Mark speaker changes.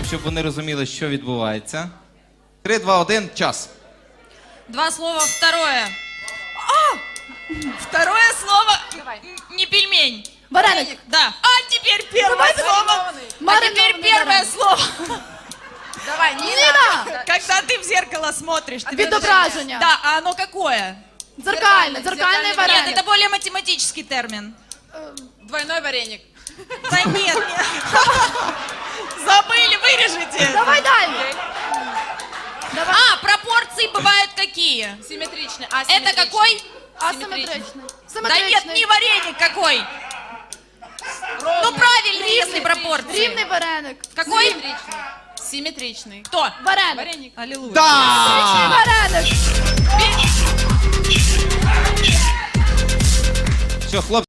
Speaker 1: щоб вони розуміли, що відбувається. 3, 2, 1, час.
Speaker 2: Два слова, второе. Второе слово не пельмень.
Speaker 3: Вареник.
Speaker 2: Да. А теперь первое слово. А теперь первое слово.
Speaker 4: Давай,
Speaker 3: Ніна!
Speaker 2: Когда ты в зеркало смотришь. ты
Speaker 3: Відображення.
Speaker 2: Да, а оно какое?
Speaker 3: Дзеркальне, дзеркальний
Speaker 2: Нет,
Speaker 3: вареник.
Speaker 2: это более математический термин.
Speaker 4: Двойной вареник.
Speaker 2: Да нет. Забыли, вырежите.
Speaker 3: Давай далі.
Speaker 2: А, пропорции бывают какие?
Speaker 4: Симметричный.
Speaker 2: Это какой?
Speaker 3: Асиметричний.
Speaker 2: Да нет, не вареник какой. Ну правильный, если пропорции.
Speaker 3: Рівний вареник.
Speaker 2: Какой?
Speaker 4: Симметричный.
Speaker 2: Кто?
Speaker 3: Вареник.
Speaker 4: Вареник.
Speaker 2: Аллилуйя.
Speaker 3: Симметричний вареник.
Speaker 1: Все, хлопці.